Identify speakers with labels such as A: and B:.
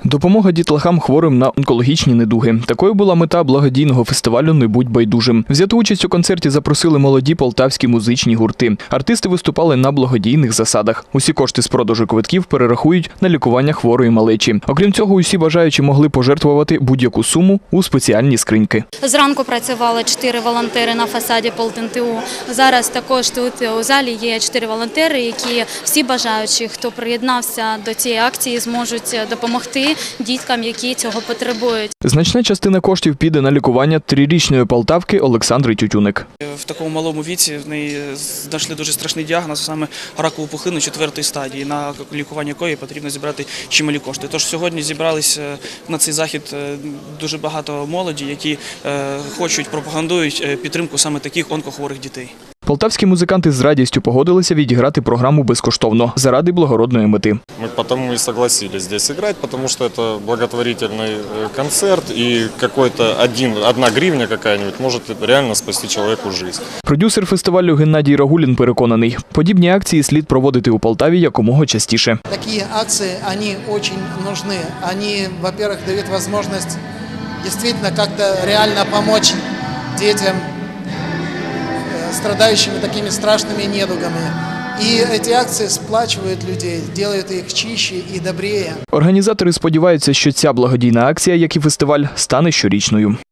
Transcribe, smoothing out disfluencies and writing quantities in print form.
A: Допомога дітлахам, хворим на онкологічні недуги. Такою була мета благодійного фестивалю «Не будь байдужим». Взяти участь у концерті запросили молоді полтавські музичні гурти. Артисти виступали на благодійних засадах. Усі кошти з продажу квитків перерахують на лікування хворої малечі. Окрім цього, усі бажаючі могли пожертвувати будь-яку суму у спеціальні скриньки.
B: Зранку працювали 4 волонтери на фасаді ПолтНТУ. Зараз також тут у залі є 4 волонтери, які всі бажаючі, хто приєднався до цієї акції, зможуть допомогти діткам, які цього потребують.
A: Значна частина коштів піде на лікування 3-річної полтавки Олександри Тютюник.
C: В такому малому віці в неї знайшли дуже страшний діагноз, саме ракову пухлину 4-ї стадії, на лікування якої потрібно зібрати чималі кошти. Тож сьогодні зібрались на цей захід дуже багато молоді, які хочуть, пропагандують підтримку саме таких онкохворих дітей.
A: Полтавські музиканти з радістю погодилися відіграти програму безкоштовно заради благородної мети.
D: Мы потому и согласились здесь играть, потому что это благотворительный концерт, и одна гривня какая-нибудь может реально спасти человеку жизнь.
A: Продюсер фестивалю Геннадій Рагулін переконаний, подібні акції слід проводити у Полтаві якомога частіше.
E: Такі акції, вони дуже нужны. Вони, во-первых, дають можливість дійсно як-то реально допомогти дітям, страдающими такими страшными недугами. И эти акции сплачивают людей, делают их чище и добрее.
A: Організатори сподіваються, що ця благодійна акція, як і фестиваль, стане щорічною.